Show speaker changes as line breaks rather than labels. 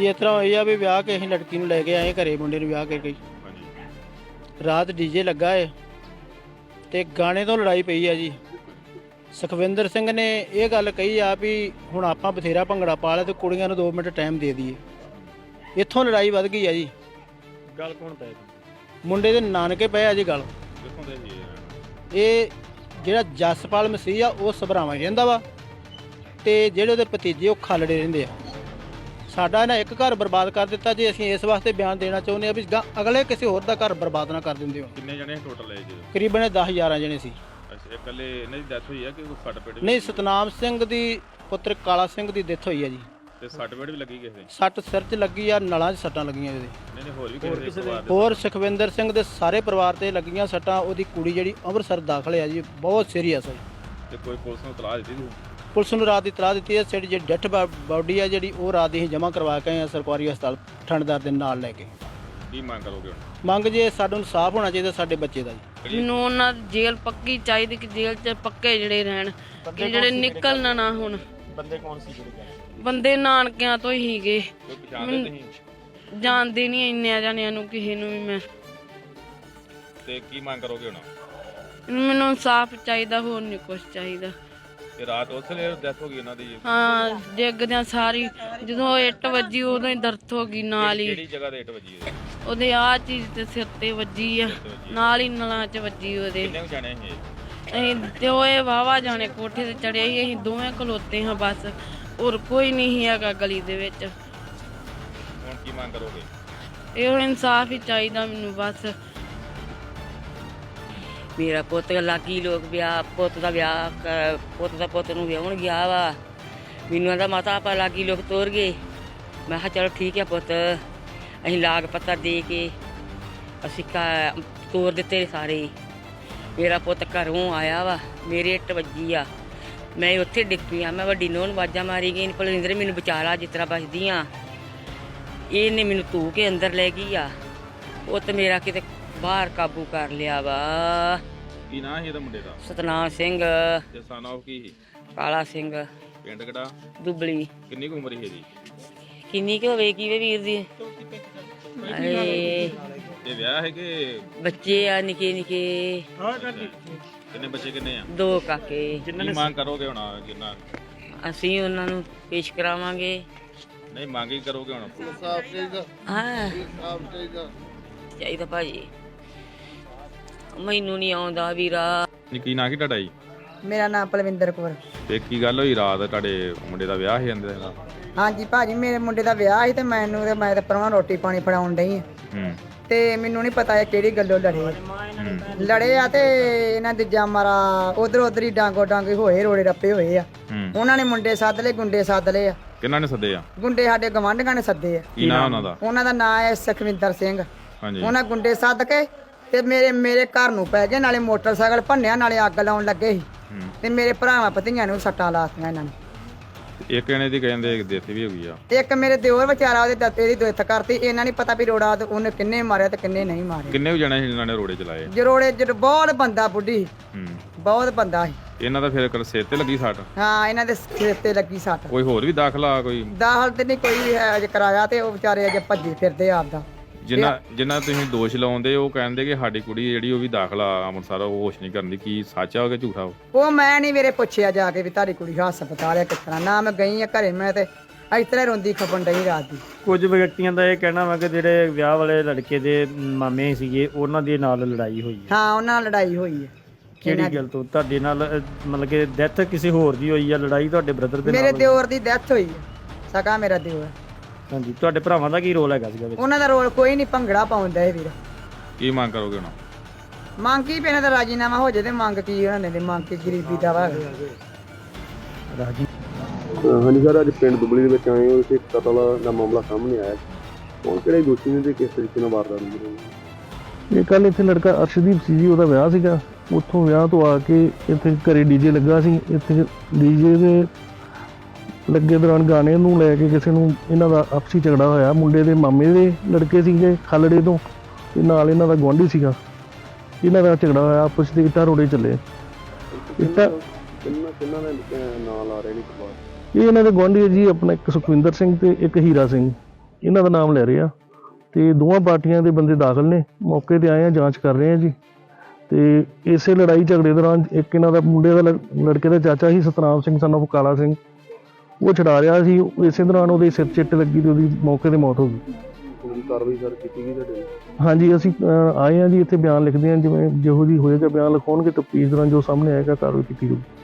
ਭਾਜੀ ਇਸ ਤਰ੍ਹਾਂ ਹੋਈ ਆ ਵੀ ਵਿਆਹ ਕੇ ਅਸੀਂ ਲੜਕੀ ਨੂੰ ਲੈ ਕੇ ਆਏ ਘਰੇ, ਮੁੰਡੇ ਨੂੰ ਵਿਆਹ ਕੇ ਗਈ। ਰਾਤ ਡੀਜੇ ਲੱਗਾ ਏ ਤੇ ਗਾਣੇ ਤੋਂ ਲੜਾਈ ਪਈ ਆ ਜੀ। ਸੁਖਵਿੰਦਰ ਸਿੰਘ ਨੇ ਇਹ ਗੱਲ ਕਹੀ ਆ ਵੀ ਹੁਣ ਆਪਾਂ ਬਥੇਰਾ ਭੰਗੜਾ ਪਾ ਲਿਆ ਤੇ ਕੁੜੀਆਂ ਨੂੰ 2 ਮਿੰਟ ਟਾਈਮ ਦੇ ਦਈਏ। ਇੱਥੋਂ ਲੜਾਈ ਵੱਧ ਗਈ ਆ ਜੀ।
ਗੱਲ ਕੌਣ ਪਏ?
ਮੁੰਡੇ ਦੇ ਨਾਨਕੇ ਪਏ ਆ ਜੀ ਗੱਲ। ਇਹ ਜਿਹੜਾ ਜਸਪਾਲ ਮਸੀਹ ਆ ਉਹ ਸਭਰਾਵਾਂ ਰਹਿੰਦਾ ਵਾ ਤੇ ਜਿਹੜੇ ਉਹਦੇ ਭਤੀਜੇ ਉਹ ਖਾਲੜੇ ਰਹਿੰਦੇ ਆ। ਸਾਡਾ ਇਹਨਾਂ ਇੱਕ ਘਰ ਬਰਬਾਦ ਕਰ ਦਿੱਤਾ ਜੀ। ਅਸੀਂ ਇਸ ਵਾਸਤੇ ਬਿਆਨ ਦੇਣਾ ਚਾਹੁੰਦੇ ਆ ਵੀ ਅਗਲੇ ਕਿਸੇ ਹੋਰ ਦਾ ਘਰ ਬਰਬਾਦ ਨਾ ਕਰ ਦਿੰਦੇ ਹੋ।
ਕਿੰਨੇ ਜਣੇ ਟੋਟਲ ਹੈ ਜੀ?
ਕਰੀਬਨ 10-11 ਜਣੇ ਸੀ।
ਅੱਛਾ, ਇਕੱਲੇ ਇਹਨਾਂ ਦੀ ਡੈਥ ਹੋਈ ਹੈ ਕਿ ਕੋਈ ਫੱਟ ਪੇਟ?
ਨਹੀਂ, ਸਤਨਾਮ ਸਿੰਘ ਦੀ ਪੁੱਤਰ ਕਾਲਾ ਸਿੰਘ ਦੀ ਡੈਥ ਹੋਈ ਆ ਜੀ।
ਤੇ ਸੱਟ ਪੇਟ ਵੀ ਲੱਗੀ ਕਿਸੇ ਦੇ?
ਸੱਟ ਸਿਰ 'ਚ ਲੱਗੀ ਆ, ਨਲਾਂ 'ਚ ਸੱਟਾਂ ਲੱਗੀਆਂ ਇਹਦੇ।
ਨਹੀਂ ਹੋਰ ਵੀ ਕਿਸੇ ਦੇ?
ਹੋਰ ਸੁਖਵਿੰਦਰ ਸਿੰਘ ਦੇ ਸਾਰੇ ਪਰਿਵਾਰ ਤੇ ਲੱਗੀਆਂ ਸੱਟਾਂ। ਉਹਦੀ ਕੁੜੀ ਜਿਹੜੀ ਅੰਮ੍ਰਿਤਸਰ ਦਾਖਲ ਆ ਜੀ, ਬਹੁਤ ਸੀਰੀਅਸ ਹੈ।
ਤੇ ਕੋਈ ਪੁਲਿਸ ਨੂੰ ਤਲਾਹ ਦਿੱਤੀ?
ਪੁਲਿਸ ਨੂੰ ਰਾਤ ਦੀ ਤਲਾਹ ਦਿੱਤੀ ਹੈ। ਜਿਹੜੀ ਡੈਥ ਬਾਡੀ ਆ ਜਿਹੜੀ ਉਹ ਰਾਤ ਦੀ ਅਸੀਂ ਜਮ੍ਹਾਂ ਕਰਵਾ ਕੇ ਆਏ ਆ ਸਰਕਾਰੀ ਹਸਪਤਾਲ ਥਾਣੇਦਾਰ ਦੇ ਨਾਲ ਲੈ ਕੇ।
ਕੀ ਮੰਗ ਕਰੋਗੇ ਹੁਣ?
ਮੰਗ ਜੇ ਸਾਨੂੰ ਇਨਸਾਫ ਹੋਣਾ ਚਾਹੀਦਾ ਸਾਡੇ ਬੱਚੇ ਦਾ ਜੀ।
ਮੈਨੂੰ ਉਹਨਾਂ ਦੀ ਜੇਲ੍ਹ ਪੱਕੀ ਚਾਹੀਦੀ ਕਿ ਜੇਲ੍ਹ 'ਚ ਪੱਕੇ ਜਿਹੜੇ ਰਹਿਣ ਕਿ ਜਿਹੜੇ ਨਿਕਲਣਾ ਨਾ ਹੁਣ।
ਬੰਦੇ ਕੌਣ ਸੀ ਜਿਹੜੇ?
ਬੰਦੇ ਨਾਨਕਿਆਂ ਤੋਂ ਹੀ ਗਏ।
ਕੋਈ ਪਛਾਣਦੇ ਤੁਸੀਂ?
ਜਾਣਦੇ ਨਹੀਂ ਇੰਨਿਆਂ ਜਾਣਿਆਂ ਨੂੰ ਕਿਸੇ ਨੂੰ ਵੀ ਮੈਂ।
ਤੇ ਕੀ ਮੰਗ ਕਰੋਗੇ ਹੁਣ?
ਮੈਨੂੰ ਇਨਸਾਫ ਚਾਹੀਦਾ, ਹੋਰ ਨਹੀਂ ਕੁਛ ਚਾਹੀਦਾ।
ਤੇ ਰਾਤ ਉਸ ਵੇਲੇ ਡੈਥ ਹੋ ਗਈ ਉਹਨਾਂ ਦੀ?
ਹਾਂ, ਡਿੱਗਦਿਆਂ ਸਾਰੀ ਜਦੋਂ ਇੱਟ ਵੱਜੀ ਉਦੋਂ ਹੀ ਦਰਦ ਹੋ ਗਈ ਨਾਲ ਹੀ।
ਕਿਹੜੀ ਜਗ੍ਹਾ ਤੇ ਇੱਟ ਵੱਜੀ ਹੈ?
ਉਹਦੇ ਆਹ ਚੀਜ਼ ਤੇ ਸਿਰ ਤੇ ਵੱਜੀ ਆ, ਨਾਲ ਹੀ ਨਲਾਂ 'ਚ ਵੱਜੀ ਉਹਦੇ।
ਕਿੰਨੇ ਜਾਣੇ ਸੀ?
ਅਸੀਂ ਤੇ ਉਹ ਵਾਹਵਾ ਜਾਣੇ ਕੋਠੇ ਤੇ ਚੜਿਆ ਸੀ। ਅਸੀਂ ਦੋਵੇਂ ਖਲੋਤੇ ਹਾਂ ਬਸ, ਹੋਰ ਕੋਈ ਨਹੀਂ ਸੀ ਹੈਗਾ ਗਲੀ ਦੇ ਵਿੱਚ।
ਹੁਣ ਕੀ ਮੰਗ ਕਰੋਗੇ?
ਇਹੋ ਇਨਸਾਫ ਹੀ ਚਾਹੀਦਾ ਮੈਨੂੰ ਬਸ।
ਮੇਰਾ ਪੁੱਤ ਲਾਗੀ ਲੋਕ ਵਿਆਹ ਪੁੱਤ ਦਾ ਪੁੱਤ ਨੂੰ ਵਿਆਹਣ ਗਿਆ ਵਾ। ਮੈਨੂੰ ਆਂਦਾ ਮਾਤਾ ਆਪਾਂ ਲਾਗੀ ਲੋਕ ਤੋਰ ਗਏ। ਮੈਂ ਕਿਹਾ ਚਲੋ ਠੀਕ ਹੈ ਪੁੱਤ। ਅਸੀਂ ਲਾਗ ਪੱਤਾ ਦੇ ਕੇ ਅਸੀਂ ਤੋਰ ਦਿੱਤੇ ਸਾਰੇ। ਮੇਰਾ ਪੁੱਤ ਘਰੋਂ ਆਇਆ ਵਾ, ਮੇਰੇ ਇੱਟ ਵੱਜੀ ਆ, ਮੈਂ ਉੱਥੇ ਡਿੱਗ ਪਈ ਆ। ਮੈਂ ਵੱਡੀ ਨੂੰਹ ਨੂੰ ਆਵਾਜ਼ਾਂ ਮਾਰੀ ਗਈ, ਭਲਿੰਦਰ ਮੈਨੂੰ ਬਚਾ ਲਾ ਜਿਸ ਤਰ੍ਹਾਂ ਬਚਦੀ ਆ। ਇਹਨੇ ਮੈਨੂੰ ਧੂ ਕੇ ਅੰਦਰ ਲੈ ਗਈ ਆ। ਪੁੱਤ ਮੇਰਾ ਕਿਤੇ ਬਾਹਰ ਕਾਬੂ ਕਰ ਲਿਆ ਵਾ।
ਕੀ ਨਾਂ ਸੀ ਇਹਦਾ ਮੁੰਡੇ ਦਾ?
ਸਤਨਾਮ ਸਿੰਘ।
ਤੇ ਸਨ ਆਫ ਕੀ ਸੀ?
ਕਾਲਾ ਸਿੰਘ।
ਪਿੰਡ ਕਿਹੜਾ?
ਦੁਬਲੀ।
ਕਿੰਨੀ ਕੁ ਉਮਰ ਸੀ ਇਹਦੀ?
ਕਿੰਨੀ ਕੁ ਹੋਵੇ ਕੀ ਵੇ ਵੀਰ ਦੀ?
ਇਹ ਵਿਆਹ ਹੈ ਕਿ
ਬੱਚੇ ਆ ਨਿੱਕੇ ਨਿੱਕੇ।
ਕਿੰਨੇ ਬੱਚੇ ਕਿੰਨੇ ਆ?
2 ਕਾਕੇ।
ਕੀ ਮੰਗ ਕਰੋਗੇ ਹੁਣ? ਜਿੰਨਾ
ਅਸੀਂ ਉਹਨਾਂ ਨੂੰ ਪੇਸ਼ ਕਰਾਵਾਂਗੇ।
ਨਹੀਂ ਮੰਗ ਹੀ ਕਰੋਗੇ ਹੁਣ?
ਹਾਂ ਚਾਹੀਦਾ ਭਾਜੀ। ਮੈਨੂੰ ਨਹੀਂ ਆਉਂਦਾ ਵੀਰਾ।
ਕੀ ਨਾਂ ਕੀ ਤੁਹਾਡਾ ਜੀ?
ਮੇਰਾ ਨਾਮ ਪਲਵਿੰਦਰ ਕੌਰ।
ਤੇ ਕੀ ਗੱਲ ਹੋਈ ਰਾਤ ਤੁਹਾਡੇ ਮੁੰਡੇ ਦਾ ਵਿਆਹ ਸੀ ਜਾਂਦੇ ਦਾ?
ਹਾਂਜੀ ਭਾਜੀ, ਮੇਰੇ ਮੁੰਡੇ ਦਾ ਵਿਆਹ ਸੀ ਤੇ ਮੈਂ ਤਾਂ ਪਰਵਾਹ ਰੋਟੀ ਪਾਣੀ ਫੜਾਉਣ ਡਈ ਆ। ਤੇ ਮੈਨੂੰ ਨਹੀਂ ਪਤਾ ਇਹ ਕਿਹੜੀ ਗੱਲੋਂ ਲੜੇ ਆ ਤੇ ਇਹਨਾਂ ਦੇ ਮਾਰਾ ਉਧਰ ਹੀ ਡਾਂਗੋ ਡਾਂਗੇ ਹੋਏ, ਰੋੜੇ ਰੱਪੇ ਹੋਏ ਆ। ਉਹਨਾਂ ਨੇ ਮੁੰਡੇ ਸੱਦ ਲਏ, ਗੁੰਡੇ ਸੱਦ ਲਏ ਆ।
ਕਿਹਨਾਂ ਨੇ ਸੱਦੇ ਆ?
ਗੁੰਡੇ ਸਾਡੇ ਗਵਾਂਢੀਆਂ ਨੇ ਸੱਦੇ ਆ।
ਕੀ ਨਾਂ ਉਹਨਾਂ ਦਾ?
ਉਹਨਾਂ ਦਾ ਨਾਂ ਹੈ ਸੁਖਵਿੰਦਰ ਸਿੰਘ।
ਹਾਂਜੀ।
ਉਹਨਾਂ ਗੁੰਡੇ ਸੱਦ ਕੇ ਤੇ ਮੇਰੇ ਘਰ ਨੂੰ ਪੈ ਗਏ, ਨਾਲੇ ਮੋਟਰਸਾਈਕਲ ਭੰਨਿਆ, ਨਾਲੇ ਅੱਗ ਲਾਉਣ ਲੱਗੇ ਸੀ। ਤੇ ਮੇਰੇ ਭਰਾਵਾਂ ਭਤੀਆਂ ਨੂੰ ਸੱਟਾਂ ਲਾਤੀਆਂ ਇਹਨਾਂ ਨੇ।
ਇੱਕ ਜਣੇ ਦੀ ਕਹਿੰਦੇ ਡੈਥ ਵੀ ਹੋ ਗਈ ਆ।
ਇੱਕ ਮੇਰੇ ਦਿਓਰ ਵਿਚਾਰਾ ਇਹਦੀ ਡੈਥ ਕਰਤੀ। ਇਹਨਾਂ ਨਹੀਂ ਪਤਾ ਵੀ ਰੋੜਾ ਉਹਨੇ ਕਿੰਨੇ ਮਾਰਿਆ ਤੇ ਕਿੰਨੇ ਨਹੀਂ ਮਾਰਿਆ।
ਕਿੰਨੇ ਜਣੇ ਸੀ ਇਹਨਾਂ ਨੇ ਰੋੜੇ ਚਲਾਏ?
ਜਰੋੜੇ ਬਹੁਤ ਬੰਦਾ ਬੁੱਢੀ, ਬਹੁਤ ਬੰਦਾ ਸੀ।
ਇਹਨਾਂ ਦਾ ਫਿਰ ਸਿਰ ਤੇ ਲੱਗੀ ਸੱਟ?
ਹਾਂ, ਇਹਨਾਂ ਦੇ ਸਿਰ ਤੇ ਲੱਗੀ ਸੱਟ।
ਕੋਈ ਹੋਰ ਵੀ ਦਾਖਲਾ? ਕੋਈ
ਦਾਖਲ ਤੇ ਨਹੀਂ ਕੋਈ ਅਜੇ ਕਰਾਇਆ ਤੇ ਉਹ ਵਿਚਾਰੇ ਅਜੇ ਭੱਜੇ ਫਿਰਦੇ ਆਪਦਾ।
ਜਿਨ੍ਹਾਂ ਤੁਸੀਂ ਦੋਸ਼ ਲਾਉਂਦੇ ਉਹ ਕਹਿੰਦੇ ਕਿ ਸਾਡੀ ਕੁੜੀ ਜਿਹੜੀ ਉਹ ਵੀ ਦਾਖਲਾ ਅੰਮ੍ਰਿਤਸਰ, ਉਹ ਹੋਸ਼ ਨਹੀਂ ਕਰਦੀ। ਕੀ ਸੱਚ ਆ ਕਿ ਝੂਠਾ?
ਉਹ ਮੈਂ ਨਹੀਂ ਮੇਰੇ ਪੁੱਛਿਆ ਜਾ ਕੇ ਵੀ ਤੁਹਾਡੀ ਕੁੜੀ ਹਸਪਤਾਲ ਹੈ ਕਿਸ ਤਰ੍ਹਾਂ। ਨਾ ਮੈਂ ਗਈ ਆ ਘਰੇ, ਮੈਂ ਤੇ ਇਸ ਤਰ੍ਹਾਂ ਰੋਂਦੀ ਖਪਣ ਡਈ ਰਾਤ ਦੀ।
ਕੁਝ ਵਿਅਕਤੀਆਂ ਦਾ ਇਹ ਕਹਿਣਾ ਵਾ ਕਿ ਜਿਹੜੇ ਵਿਆਹ ਵਾਲੇ ਲੜਕੇ ਦੇ ਮਾਮੇ ਸੀਗੇ ਉਹਨਾਂ ਦੇ ਨਾਲ ਲੜਾਈ ਹੋਈ ਹੈ।
ਹਾਂ, ਉਹਨਾਂ ਨਾਲ ਲੜਾਈ ਹੋਈ ਹੈ।
ਕਿਹੜੀ ਗੱਲ ਤੋਂ? ਤੁਹਾਡੇ ਨਾਲ ਮਤਲਬ ਕਿ ਡੈਥ ਕਿਸੇ ਹੋਰ ਦੀ ਹੋਈ ਆ? ਲੜਾਈ ਤੁਹਾਡੇ ਬ੍ਰਦਰ ਦੇ ਨਾਲ?
ਮੇਰੇ ਦਿਓਰ ਦੀ ਡੈਥ ਹੋਈ ਹੈ, ਸਕਾ ਮੇਰਾ ਦਿਓਰ।
ਹਾਂਜੀ। ਤੁਹਾਡੇ ਭਰਾਵਾਂ ਦਾ ਕੀ ਰੋਲ ਹੈਗਾ ਸੀਗਾ ਵਿੱਚ?
ਉਹਨਾਂ ਦਾ ਰੋਲ ਕੋਈ ਨਹੀਂ, ਭੰਗੜਾ ਪਾਉਂਦਾ ਇਹ ਵੀਰ।
ਕੀ ਮੰਗ ਕਰੋਗੇ ਹੁਣ?
ਮੰਗ ਕੀ ਪੈਣਾ ਤਾਂ ਰਾਜੀਨਾਮਾ ਹੋ ਜੇ ਤੇ ਮੰਗ ਕੀ ਉਹਨਾਂ ਨੇ ਮੰਗ ਕੇ ਗਰੀਬੀ ਦਾ ਵਾ।
ਰਾਜੀ।
ਹਾਂਜੀ ਸਰ, ਅੱਜ ਪਿੰਡ ਦੁਬਲੀ ਦੇ ਵਿੱਚ ਆਏ ਹੋ। ਇੱਥੇ ਕਤਲ ਦਾ ਮਾਮਲਾ ਸਾਹਮਣੇ ਆਇਆ। ਕੌਣ ਕਿਹੜੇ ਦੋਸ਼ੀ ਨੇ ਤੇ ਕਿਸ ਤਰੀਕੇ ਨਾਲ ਵਾਰਦਾਤ ਹੋਈ?
ਇਹ ਕੱਲ ਇੱਥੇ ਲੜਕਾ ਅਰਸ਼ਦੀਪ ਸੀ ਜੀ, ਉਹਦਾ ਵਿਆਹ ਸੀਗਾ। ਉੱਥੋਂ ਵਿਆਹ ਤੋਂ ਆ ਕੇ ਇੱਥੇ ਘਰੇ ਡੀਜੇ ਲੱਗਾ ਸੀ। ਇੱਥੇ ਡੀਜੇ ਦੇ ਲੱਗੇ ਦੌਰਾਨ ਗਾਣੇ ਨੂੰ ਲੈ ਕੇ ਕਿਸੇ ਨੂੰ ਇਹਨਾਂ ਦਾ ਆਪਸੀ ਝਗੜਾ ਹੋਇਆ। ਮੁੰਡੇ ਦੇ ਮਾਮੇ ਦੇ ਲੜਕੇ ਸੀਗੇ ਖਾਲੜੇ ਤੋਂ, ਤੇ ਨਾਲ ਇਹਨਾਂ ਦਾ ਗੁਆਂਢੀ ਸੀਗਾ। ਇਹਨਾਂ ਦਾ ਝਗੜਾ ਹੋਇਆ, ਆਪਸ ਦੇ ਇੱਟਾਂ ਰੋੜੇ ਚੱਲੇ। ਇੱਟਾਂ
ਕਿੰਨਾਂ ਦੇ ਨਾਂ ਲਾ ਰਹੇ ਨੇ?
ਇਹ ਇਹਨਾਂ ਦੇ ਗੁਆਂਢੀ ਜੀ, ਆਪਣਾ ਇੱਕ ਸੁਖਵਿੰਦਰ ਸਿੰਘ ਤੇ ਇੱਕ ਹੀਰਾ ਸਿੰਘ। ਇਹਨਾਂ ਦਾ ਨਾਮ ਲੈ ਰਹੇ ਆ ਤੇ ਦੋਵਾਂ ਪਾਰਟੀਆਂ ਦੇ ਬੰਦੇ ਦਾਖਲ ਨੇ, ਮੌਕੇ ਤੇ ਆਏ ਆ, ਜਾਂਚ ਕਰ ਰਹੇ ਆ ਜੀ। ਤੇ ਇਸੇ ਲੜਾਈ ਝਗੜੇ ਦੌਰਾਨ ਇੱਕ ਇਹਨਾਂ ਦਾ ਮੁੰਡੇ ਦਾ ਲੜਕੇ ਦਾ ਚਾਚਾ ਸੀ ਸਤਨਾਮ ਸਿੰਘ son of ਕਾਲਾ ਸਿੰਘ, ਉਹ ਛਡਾ ਰਿਹਾ ਸੀ। ਇਸੇ ਦੌਰਾਨ ਉਹਦੇ ਸਿਰ ਚਿੱਟ ਲੱਗੀ ਤੇ ਉਹਦੀ ਮੌਕੇ ਤੇ ਮੌਤ ਹੋ ਗਈ।
ਕਾਰਵਾਈ ਸਰ ਕੀਤੀ ਗਈ ਤੁਹਾਡੇ?
ਹਾਂਜੀ, ਅਸੀਂ ਆਏ ਆ ਜੀ, ਇੱਥੇ ਬਿਆਨ ਲਿਖਦੇ ਹਾਂ, ਜਿਵੇਂ ਜਿਹੋ ਜਿਹੀ ਹੋਏਗਾ ਬਿਆਨ ਲਿਖਾਉਣਗੇ, ਤਫਤੀਸ਼ ਦੌਰਾਨ ਜੋ ਸਾਹਮਣੇ ਆਏਗਾ ਕਾਰਵਾਈ ਕੀਤੀ ਜਾਊਗੀ।